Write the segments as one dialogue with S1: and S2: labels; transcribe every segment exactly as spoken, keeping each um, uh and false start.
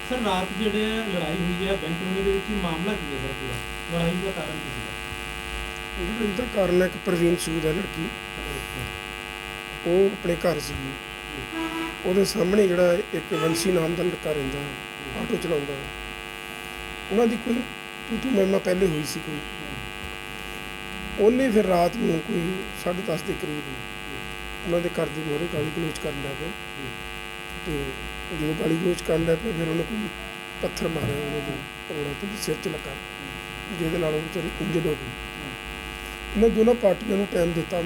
S1: Sir रात ਜਿਹੜੇ ਲੜਾਈ ਹੋਈ ਹੈ ਬੈਂਕ ਕਲੋਨੀ ਦੇ ਵਿੱਚ ਮਾਮਲਾ ਕੀ ਹੈ ਸਰ ਪੂਰਾ ਲੜਾਈ ਦਾ ਕਾਰਨ ਕੀ ਸੀ?
S2: ਲੜਾਈ ਦਾ ਕਾਰਨ ਹੈ ਕਿ ਪ੍ਰਵੀਨ ਸੂਦ ਹੈ ਲੜਕੀ, ਉਹ ਆਪਣੇ ਘਰ ਸੀ, ਉਹਦੇ ਸਾਹਮਣੇ ਜਿਹੜਾ ਇੱਕ ਵੰਸ਼ੀ ਨਾਮ ਦਾ ਲੜਕਾ ਰਹਿੰਦਾ ਹੈ, ਆਟੋ ਚਲਾਉਂਦਾ ਹੈ, ਉਹਨਾਂ ਦੀ ਕੋਈ ਤੂੰ ਤੂੰ ਮੈਂ ਮੈਂ ਪਹਿਲੇ ਹੋਈ ਸੀ ਕੋਈ। ਉਹਨੇ ਫਿਰ ਰਾਤ ਨੂੰ ਕੋਈ ਸਾਢੇ ਦਸ ਦੇ ਕਰੀਬ ਉਹਨਾਂ ਦੇ ਘਰ ਦੀ ਮੋਹਰੇ ਗਾਲੀ ਗਲੋਚ ਕਰਨ ਲੱਗ ਪਿਆ, ਅਤੇ ਜਦੋਂ ਗਾਲੀ ਗਲੋਚ ਕਰਨ ਲੱਗ ਪਿਆ ਫਿਰ ਉਹਨੇ ਕੋਈ ਪੱਥਰ ਮਾਰਿਆ ਉਹਨਾਂ ਦੇ ਰੋੜਾ ਤੋਂ ਸਿਰ 'ਚ ਲੱਗਾ, ਜਿਹਦੇ ਨਾਲ ਉਹ ਵਿਚਾਰੀ ਇੰਜਰਡ ਹੋ ਗਈ। ਇਹਨਾਂ ਦੋਨਾਂ ਪਾਰਟੀਆਂ ਨੂੰ ਟਾਈਮ ਦਿੱਤਾ,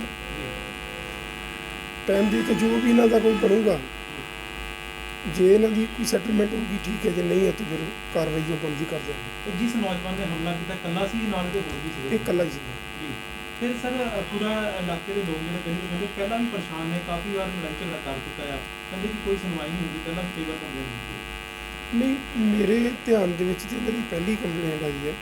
S2: ਟਾਈਮ ਦੇ ਕੇ ਜੋ ਵੀ ਇਹਨਾਂ ਦਾ ਕੋਈ ਬਣੂਗਾ, ਜੇ ਇਹਨਾਂ ਦੀ ਕੋਈ ਸੈਟਲਮੈਂਟ ਹੋਊਗੀ ਠੀਕ ਹੈ, ਜੇ ਨਹੀਂ ਹੈ ਤਾਂ ਫਿਰ ਕਾਰਵਾਈ ਜੋ ਬਣਦੀ ਕਰ ਦਿਆਂਗੇ।
S1: ਜਿਸ ਨੌਜਵਾਨ ਨੇ ਹਮਲਾ ਕੀਤਾ ਇਕੱਲਾ ਸੀ ਨਾਲ ਦੇ ਹੋਰ ਵੀ ਸੀ?
S2: ਇਹ ਇਕੱਲਾ ਹੀ ਸੀ
S1: ਜੀ। ਫਿਰ ਸਰ ਪੂਰਾ ਇਲਾਕੇ ਦੇ ਲੋਕ ਜਿਹੜੇ ਕਹਿੰਦੇ ਕਹਿੰਦੇ ਪਹਿਲਾਂ ਵੀ ਪਰੇਸ਼ਾਨ ਨੇ, ਕਾਫੀ ਵਾਰ ਲੜਾਈ ਝਗੜਾ ਕਰ ਚੁੱਕਾ ਆ, ਕਹਿੰਦੇ ਕਿ ਕੋਈ ਸੁਣਵਾਈ ਨਹੀਂ ਹੁੰਦੀ, ਪਹਿਲਾਂ ਵੀ ਕਈ ਵਾਰ ਕੰਪਲੇਂਟ ਕੀਤੀ।
S2: ਨਹੀਂ, ਮੇਰੇ ਧਿਆਨ ਦੇ ਵਿੱਚ ਤਾਂ ਇਹਨਾਂ ਦੀ ਪਹਿਲੀ ਕੰਪਲੇਂਟ ਆਈ ਹੈ।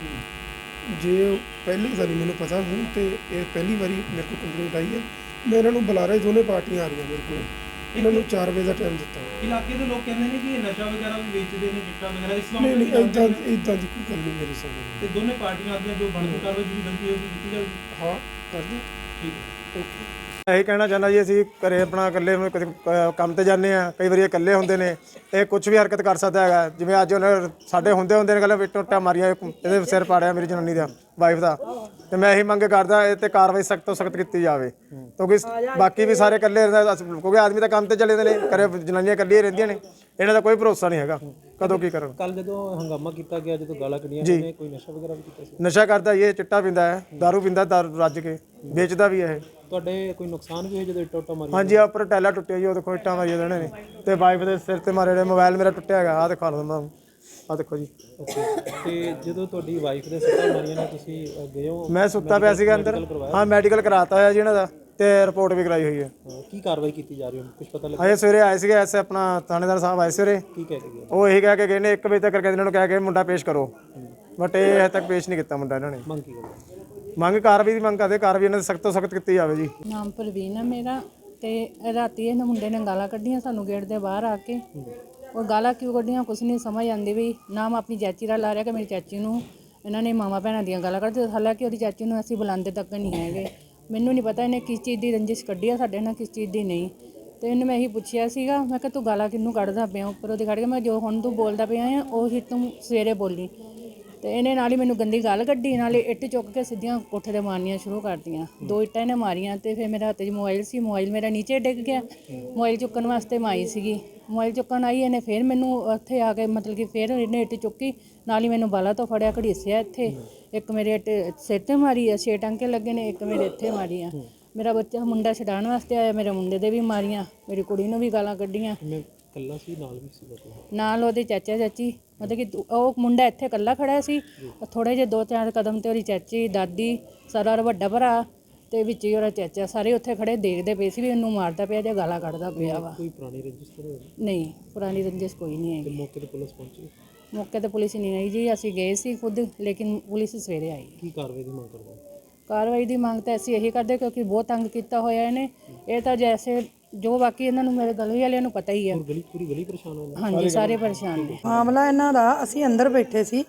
S2: ਜੇ ਪਹਿਲੇ ਦਾ ਨਹੀਂ ਮੈਨੂੰ ਪਤਾ, ਹੁਣ ਤਾਂ ਇਹ ਪਹਿਲੀ ਵਾਰੀ ਮੇਰੇ ਕੋਲ ਕੰਪਲੇਂਟ ਆਈ ਹੈ। ਮੈਂ ਇਹਨਾਂ ਨੂੰ ਬੁਲਾ ਰਿਹਾ, ਦੋਨੇ ਪਾਰਟੀਆਂ ਆ ਰਹੀਆਂ ਮੇਰੇ ਕੋਲ, ਇਹਨਾਂ ਨੂੰ ਚਾਰ ਵਜੇ ਦਾ ਟਾਈਮ ਦਿੱਤਾ।
S1: ਇਲਾਕੇ ਦੇ ਲੋਕ ਕਹਿੰਦੇ ਨੇ ਕਿ ਇਹ ਨਸ਼ਾ ਵਗੈਰਾ ਵੀ ਵੇਚਦੇ ਨੇ, ਚਿੱਟਾ ਵਗੈਰਾ, ਇਸ
S2: ਨਹੀਂ ਨਹੀਂ ਇੱਦਾਂ ਇੱਦਾਂ ਦੀ ਕੋਈ ਗੱਲ ਨਹੀਂ ਮੇਰੇ ਸਾਹਮਣੇ।
S1: ਤੇ ਦੋਨੇ ਪਾਰਟੀਆਂ ਆਦੀਆਂ ਜੋ ਬਣਦੀ ਕਾਰਵਾਈ ਜਿਹੜੀ ਗਲਤੀ ਹੋਊਗੀ ਕੀਤੀ ਜਾਊਗੀ।
S2: ਹਾਂ ਕਰਦੇ
S1: ਠੀਕ ਹੈ,
S2: ਓਕੇ।
S3: ਇਹੀ ਕਹਿਣਾ ਚਾਹੁੰਦਾ ਜੀ, ਅਸੀਂ ਘਰੇ ਆਪਣਾ ਇਕੱਲੇ ਕਦੇ ਕੰਮ ਤੇ ਜਾਂਦੇ ਆ, ਕਈ ਵਾਰੀ ਇਕੱਲੇ ਹੁੰਦੇ ਨੇ, ਇਹ ਕੁਝ ਵੀ ਹਰਕਤ ਕਰ ਸਕਦਾ ਹੈਗਾ। ਜਿਵੇਂ ਅੱਜ ਉਹਨੇ ਸਾਡੇ ਹੁੰਦੇ ਹੁੰਦੇ ਨੇ ਗੱਲ ਟੁੱਟਾ ਮਾਰੀਆਂ, ਇਹਦੇ ਸਿਰ ਪਾੜਿਆ ਮੇਰੀ ਜਨਾਨੀ ਦਾ, ਵਾਈਫ ਦਾ, ਤੇ ਮੈਂ ਇਹੀ ਮੰਗ ਕਰਦਾ ਇਹ ਤੇ ਕਾਰਵਾਈ ਸਖਤ ਤੋਂ ਸਖਤ ਕੀਤੀ ਜਾਵੇ, ਕਿਉਂਕਿ ਬਾਕੀ ਵੀ ਸਾਰੇ ਇਕੱਲੇ ਰਹਿੰਦੇ, ਕਿਉਂਕਿ ਆਦਮੀ ਤਾਂ ਕੰਮ ਤੇ ਚਲੇ ਜਾਂਦੇ ਨੇ, ਘਰੇ ਜਨਾਨੀਆਂ ਇਕੱਲੀਆਂ ਰਹਿੰਦੀਆਂ ਨੇ, ਇਹਨਾਂ ਦਾ ਕੋਈ ਭਰੋਸਾ ਨਹੀਂ ਹੈਗਾ ਕਦੋਂ ਕੀ ਕਰਨ।
S1: ਕੱਲ ਜਦੋਂ ਹੰਗਾਮਾ ਕੀਤਾ ਗਿਆ, ਜਦੋਂ ਗਾਲਾਂ ਕੱਢੀਆਂ ਨੇ, ਕੋਈ ਨਸ਼ਾ ਵਗੈਰਾ ਵੀ ਕੀਤਾ ਸੀ?
S3: ਨਸ਼ਾ ਕਰਦਾ ਇਹ ਚਿੱਟਾ ਪੀਂਦਾ ਹੈ, ਦਾਰੂ ਪੀਂਦਾ, ਦਾਰੂ ਰੱਜ ਕੇ ਵੇਚਦਾ ਵੀ ਇਹ।
S1: ਤੁਹਾਡੇ ਕੋਈ ਨੁਕਸਾਨ ਵੀ ਹੋਇਆ ਜਦੋਂ ਇੱਟਾਂ ਉੱਟਾਂ ਮਾਰੀਆਂ?
S3: ਹਾਂਜੀ, ਆ ਉੱਪਰ ਟੈਲਾ ਟੁੱਟਿਆ ਜੀ, ਉਹ ਦੇਖੋ ਇੱਟਾਂ ਮਾਰੀਆਂ ਇਹਨਾਂ ਨੇ, ਤੇ ਵਾਈਫ ਦੇ ਸਿਰ ਤੇ ਮਾਰੇ ਨੇ, ਮੋਬਾਈਲ ਮੇਰਾ ਟੁੱਟਿਆ ਹੈਗਾ, ਆਹ ਦਿਖਾ ਦਿੰਦਾ, ਆਹ ਦੇਖੋ ਜੀ।
S1: ਓਕੇ, ਤੇ ਜਦੋਂ ਤੁਹਾਡੀ ਵਾਈਫ ਦੇ ਸੱਟਾਂ ਮਾਰੀਆਂ ਨੇ, ਤੁਸੀਂ ਗਏ ਹੋ?
S3: ਮੈਂ ਸੁੱਤਾ ਪਿਆ ਸੀਗਾ ਅੰਦਰ, ਹਾਂ ਮੈਡੀਕਲ ਕਰਾਤਾ ਹੋਇਆ ਜੀ ਇਹਨਾਂ ਦਾ, ਤੇ ਰਿਪੋਰਟ ਵੀ ਕਰਾਈ ਹੋਈ ਹੈ।
S1: ਕੀ ਕਾਰਵਾਈ ਕੀਤੀ ਜਾ ਰਹੀ ਹੈ, ਕੁਝ ਪਤਾ ਲੱਗਾ?
S3: ਅਜੇ ਸਵੇਰੇ ਆਏ ਸੀਗੇ ਐਸੇ ਆਪਣਾ ਥਾਣੇਦਾਰ ਸਾਹਿਬ ਆਏ ਸਵੇਰੇ,
S1: ਕੀ ਕਹਿ ਕੇ ਗਏ?
S3: ਉਹ ਇਹੀ ਕਹਿ ਕੇ ਗਏ ਨੇ ਇੱਕ ਵਜੇ ਤੱਕ ਕਰਕੇ ਇਹਨਾਂ ਨੂੰ ਕਹਿ ਕੇ ਮੁੰਡਾ ਪੇਸ਼ ਕਰੋ, ਬਟ ਇਹ ਹਜੇ ਤੱਕ ਪੇਸ਼ ਨਹੀਂ ਕੀਤਾ ਮੁੰਡਾ ਇਹਨਾਂ ਨੇ।
S1: ਮੰਗ ਕੀ ਕਰਦੇ?
S3: ਮੰਗ ਕਾਰਵਾਈ ਦੀ ਮੰਗ ਕਰਦੇ, ਕਾਰਵਾਈ ਇਹਨਾਂ ਦੀ ਸਖਤ ਤੋਂ ਸਖਤ ਕੀਤੀ ਜਾਵੇ ਜੀ।
S4: ਨਾਮ ਪ੍ਰਵੀਨ ਆ ਮੇਰਾ, ਤੇ ਰਾਤੀ ਇਹਨਾਂ ਮੁੰਡੇ ਨੇ ਗਾਲਾਂ ਕੱਢੀਆਂ ਸਾਨੂੰ ਗੇਟ ਦੇ ਬਾਹਰ ਆ ਕੇ। ਉਹ ਗਾਲਾਂ ਕਿਉਂ ਕੱਢੀਆਂ ਕੁਛ ਨਹੀਂ ਸਮਝ ਆਉਂਦੀ ਵੀ। ਨਾਮ ਆਪਣੀ ਚਾਚੀ ਦਾ ਲਾ ਰਿਹਾ ਕਿ ਮੇਰੀ ਚਾਚੀ ਨੂੰ ਇਹਨਾਂ ਨੇ ਮਾਵਾਂ ਭੈਣਾਂ ਦੀਆਂ ਗਾਲਾਂ ਕੱਢਦੇ, ਹਾਲਾਂਕਿ ਉਹਦੀ ਚਾਚੀ ਨੂੰ ਅਸੀਂ ਬੁਲਾਉਂਦੇ ਤੱਕ ਨਹੀਂ ਹੈਗੇ। ਮੈਨੂੰ ਨਹੀਂ ਪਤਾ ਇਹਨੇ ਕਿਸ ਚੀਜ਼ ਦੀ ਰੰਜਿਸ਼ ਕੱਢੀ ਆ ਸਾਡੇ ਨਾਲ, ਕਿਸ ਚੀਜ਼ ਦੀ ਨਹੀਂ। ਤੇ ਇਹਨੂੰ ਮੈਂ ਇਹੀ ਪੁੱਛਿਆ ਸੀਗਾ, ਮੈਂ ਕਿਹਾ ਤੂੰ ਗਾਲਾਂ ਕਿਹਨੂੰ ਕੱਢਦਾ ਪਿਆ ਉੱਪਰ ਉਹਦੇ ਕੱਢ ਕੇ, ਮੈਂ ਜੋ ਹੁਣ ਤੂੰ ਬੋਲਦਾ ਪਿਆ ਆ ਉਹੀ ਤੂੰ ਸਵੇਰੇ ਬੋਲੀ। ਤੇ ਇਹਨੇ ਨਾਲ ਹੀ ਮੈਨੂੰ ਗੰਦੀ ਗੱਲ ਕੱਢੀ, ਨਾਲੇ ਇੱਟ ਚੁੱਕ ਕੇ ਸਿੱਧੀਆਂ ਕੋਠੇ 'ਤੇ ਮਾਰਨੀਆਂ ਸ਼ੁਰੂ ਕਰਤੀਆਂ। ਦੋ ਇੱਟਾਂ ਇਹਨੇ ਮਾਰੀਆਂ, ਤੇ ਫਿਰ ਮੇਰੇ ਹੱਥ 'ਚ ਮੋਬਾਈਲ ਸੀ, ਮੋਬਾਈਲ ਮੇਰਾ ਨੀਚੇ ਡਿੱਗ ਗਿਆ। ਮੋਬਾਈਲ ਚੁੱਕਣ ਵਾਸਤੇ ਮੈਂ ਆਈ ਸੀਗੀ, ਮੋਬਾਈਲ ਚੁੱਕਣ ਆਈ, ਇਹਨੇ ਫਿਰ ਮੈਨੂੰ ਉੱਥੇ ਆ ਕੇ ਮਤਲਬ ਕਿ ਫਿਰ ਇਹਨੇ ਇੱਟ ਚੁੱਕੀ, ਨਾਲ ਹੀ ਮੈਨੂੰ ਬਾਲਾਂ ਤੋਂ ਫੜਿਆ, ਘੜੀਸਿਆ ਇੱਥੇ। ਇੱਕ ਮੇਰੇ ਇੱਟ ਸਿਰ 'ਤੇ ਮਾਰੀ ਆ, ਛੇ ਟਾਂਕੇ ਲੱਗੇ ਨੇ, ਇੱਕ ਮੇਰੇ ਇੱਥੇ ਮਾਰੀ ਆ। ਮੇਰਾ ਬੱਚਾ ਮੁੰਡਾ ਛਡਾਉਣ ਵਾਸਤੇ ਆਇਆ, ਮੇਰੇ ਮੁੰਡੇ ਦੇ ਵੀ ਮਾਰੀਆਂ, ਮੇਰੀ ਕੁੜੀ ਨੂੰ ਵੀ ਗਾਲਾਂ ਕੱਢੀਆਂ।
S1: ਇਕੱਲਾ ਸੀ ਨਾਲ ਵੀ ਸੀ?
S4: ਨਾਲ ਉਹਦੇ ਚਾਚਾ ਚਾਚੀ, ਮਤਲਬ ਕਿ ਉਹ ਮੁੰਡਾ ਇੱਥੇ ਇਕੱਲਾ ਖੜਾ ਸੀ, ਥੋੜ੍ਹੇ ਜਿਹੇ ਦੋ ਚਾਰ ਕਦਮ 'ਤੇ ਉਹਦੀ ਚਾਚੀ, ਦਾਦੀ, ਸਾਰਾ ਵੱਡਾ ਭਰਾ, ਤੇ ਵਿੱਚ ਹੀ ਉਹਦਾ ਚਾਚਾ, ਸਾਰੇ ਉੱਥੇ ਖੜੇ ਦੇਖਦੇ ਪਏ ਸੀ ਵੀ ਇਹਨੂੰ ਮਾਰਦਾ ਪਿਆ ਜਾਂ ਗਾਲਾਂ ਕੱਢਦਾ ਪਿਆ ਵਾ।
S1: ਕੋਈ ਪੁਰਾਣੀ ਰੰਜਿਸ਼ ਤਾਂ ਨਹੀਂ?
S4: ਨਹੀਂ, ਪੁਰਾਣੀ ਰੰਜਿਸ਼ ਕੋਈ ਨਹੀਂ ਹੈਗੀ।
S1: ਮੌਕੇ 'ਤੇ ਪੁਲਿਸ ਪਹੁੰਚੀ?
S4: ਮੌਕੇ 'ਤੇ ਪੁਲਿਸ ਨਹੀਂ ਆਈ ਜੀ, ਅਸੀਂ ਗਏ ਸੀ ਖੁਦ, ਲੇਕਿਨ ਪੁਲਿਸ ਸਵੇਰੇ ਆਈ।
S1: ਕੀ ਕਾਰਵਾਈ ਦੀ ਮੰਗ ਕਰਦੇ?
S4: ਕਾਰਵਾਈ ਦੀ ਮੰਗ ਤਾਂ ਅਸੀਂ ਇਹੀ ਕਰਦੇ, ਕਿਉਂਕਿ ਬਹੁਤ ਤੰਗ ਕੀਤਾ ਹੋਇਆ ਇਹਨੇ। ਇਹ ਤਾਂ ਜੈਸੇ ਜੋ ਬਾਕੀ ਇਹਨਾਂ ਨੂੰ ਮੇਰੇ ਗਲੀ ਵਾਲਿਆਂ ਨੂੰ ਪਤਾ ਹੀ ਹੈ।
S1: ਗਲੀ ਪੂਰੀ ਗਲੀ ਪਰੇਸ਼ਾਨ ਹੋ ਗਈ?
S4: ਹਾਂਜੀ, ਸਾਰੇ ਪਰੇਸ਼ਾਨ ਨੇ।
S5: ਮਾਮਲਾ ਇਹਨਾਂ ਦਾ, ਅਸੀਂ ਅੰਦਰ ਬੈਠੇ ਸੀ,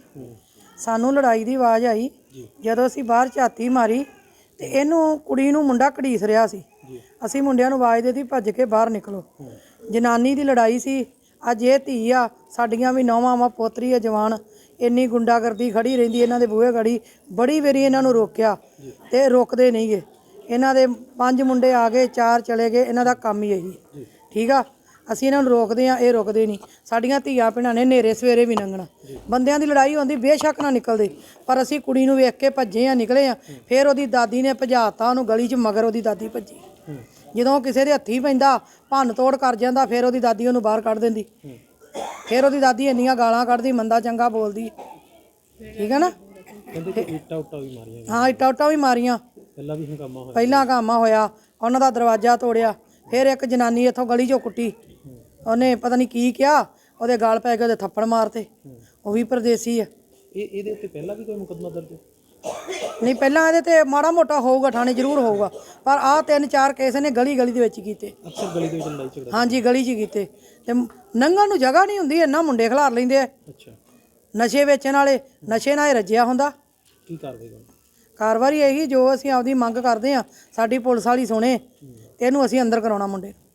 S5: ਸਾਨੂੰ ਲੜਾਈ ਦੀ ਆਵਾਜ਼ ਆਈ। ਜਦੋਂ ਅਸੀਂ ਬਾਹਰ ਝਾਤੀ ਮਾਰੀ ਤੇ ਇਹਨੂੰ ਕੁੜੀ ਨੂੰ ਮੁੰਡਾ ਘੜੀਸ ਰਿਹਾ ਸੀ। ਅਸੀਂ ਮੁੰਡਿਆਂ ਨੂੰ ਆਵਾਜ਼ ਦਿੱਤੀ ਭੱਜ ਕੇ ਬਾਹਰ ਨਿਕਲੋ। ਜਨਾਨੀ ਦੀ ਲੜਾਈ ਸੀ। ਅੱਜ ਇਹ ਧੀ ਆ, ਸਾਡੀਆਂ ਵੀ ਨੌਵਾਂ ਵਾ, ਪੋਤਰੀ ਆ ਜਵਾਨ, ਇੰਨੀ ਗੁੰਡਾਗਰਦੀ ਖੜੀ ਰਹਿੰਦੀ ਇਹਨਾਂ ਦੇ ਬੂਹੇ ਗੜੀ। ਬੜੀ ਵਾਰੀ ਇਹਨਾਂ ਨੂੰ ਰੋਕਿਆ ਤੇ ਰੁਕਦੇ ਨਹੀਂ ਗੇ। ਇਹਨਾਂ ਦੇ ਪੰਜ ਮੁੰਡੇ ਆ ਗਏ, ਚਾਰ ਚਲੇ ਗਏ, ਇਹਨਾਂ ਦਾ ਕੰਮ ਹੀ ਇਹੀ। ਠੀਕ ਆ, ਅਸੀਂ ਇਹਨਾਂ ਨੂੰ ਰੋਕਦੇ ਆ, ਇਹ ਰੁਕਦੇ ਨਹੀਂ। ਸਾਡੀਆਂ ਧੀਆਂ ਭੈਣਾਂ ਨੇ ਨੇਰੇ ਸਵੇਰੇ ਵੀ ਲੰਘਣਾ। ਬੰਦਿਆਂ ਦੀ ਲੜਾਈ ਹੁੰਦੀ ਬੇਸ਼ੱਕ ਨਾ ਨਿਕਲਦੇ, ਪਰ ਅਸੀਂ ਕੁੜੀ ਨੂੰ ਵੇਖ ਕੇ ਭੱਜੇ ਆ, ਨਿਕਲੇ ਆ। ਫਿਰ ਉਹਦੀ ਦਾਦੀ ਨੇ ਭਜਾਤਾ ਉਹਨੂੰ ਗਲੀ 'ਚ, ਮਗਰ ਉਹਦੀ ਦਾਦੀ ਭੱਜੀ। ਜਦੋਂ ਕਿਸੇ ਦੇ ਹੱਥੀ ਪੈਂਦਾ, ਭੰਨ ਤੋੜ ਕਰ ਜਾਂਦਾ, ਫਿਰ ਉਹਦੀ ਦਾਦੀ ਉਹਨੂੰ ਬਾਹਰ ਕੱਢ ਦਿੰਦੀ। ਫਿਰ ਉਹਦੀ ਦਾਦੀ ਇੰਨੀਆਂ ਗਾਲਾਂ ਕੱਢਦੀ, ਮੰਦਾ ਚੰਗਾ ਬੋਲਦੀ। ਠੀਕ ਹੈ ਨਾ?
S1: ਇੱਟਾਂ ਉੱਟਾਂ ਵੀ ਮਾਰੀਆਂ?
S5: ਹਾਂ, ਇੱਟਾਂ ਉੱਟਾਂ ਵੀ ਮਾਰੀਆਂ।
S1: ਪਹਿਲਾਂ ਵੀ ਹੰਗਾਮਾ ਹੋਇਆ? ਪਹਿਲਾਂ
S5: ਹੰਗਾਮਾ ਹੋਇਆ, ਉਹਨਾਂ ਦਾ ਦਰਵਾਜ਼ਾ ਤੋੜਿਆ। ਫਿਰ ਇੱਕ ਜਨਾਨੀ ਇੱਥੋਂ ਗਲੀ 'ਚੋਂ ਕੁੱਟੀ, ਉਹਨੇ ਪਤਾ ਨਹੀਂ ਕੀ ਕਿਹਾ, ਉਹਦੇ ਗਾਲ ਪੈ ਕੇ ਉਹਦੇ ਥੱਪੜ ਮਾਰਤੇ। ਉਹ ਵੀ ਪਰਦੇਸੀ ਆ।
S1: ਇਹ ਇਹਦੇ ਉੱਤੇ ਪਹਿਲਾਂ ਵੀ ਕੋਈ ਮੁਕੱਦਮਾ ਦਰਜ?
S5: ਨਹੀਂ ਪਹਿਲਾਂ ਇਹਦੇ ਤੇ ਮਾੜਾ ਮੋਟਾ ਹੋਊਗਾ, ਥਾਣੇ ਜ਼ਰੂਰ ਹੋਊਗਾ, ਪਰ ਆਹ ਤਿੰਨ ਚਾਰ ਕੇਸ ਨੇ ਗਲੀ ਗਲੀ ਦੇ ਵਿੱਚ ਕੀਤੇ।
S1: ਅਕਸਰ ਗਲੀ ਦੇ ਵਿੱਚ ਲੜਾਈ ਝਗੜਾ।
S5: ਹਾਂਜੀ ਗਲੀ 'ਚ ਕੀਤੇ ਤੇ ਲੰਘਣ ਨੂੰ ਜਗ੍ਹਾ ਨਹੀਂ ਹੁੰਦੀ, ਇੰਨਾ ਮੁੰਡੇ ਖਿਲਾਰ ਲੈਂਦੇ ਆ।
S1: ਅੱਛਾ,
S5: ਨਸ਼ੇ ਵੇਚਣ ਵਾਲੇ, ਨਸ਼ੇ ਨਾਲ ਹੀ ਰੱਜਿਆ ਹੁੰਦਾ।
S1: ਕੀ ਕਾਰਵਾਈ ਕਰੋ?
S5: ਕਾਰਵਾਈ ਇਹੀ ਜੋ ਅਸੀਂ ਆਪਦੀ ਮੰਗ ਕਰਦੇ ਆ, ਸਾਡੀ ਪੁਲਿਸ ਵਾਲੀ ਸੁਣੇ ਤੇ ਇਹਨੂੰ ਅਸੀਂ ਅੰਦਰ ਕਰਾਉਣਾ ਮੁੰਡੇ ਨੂੰ।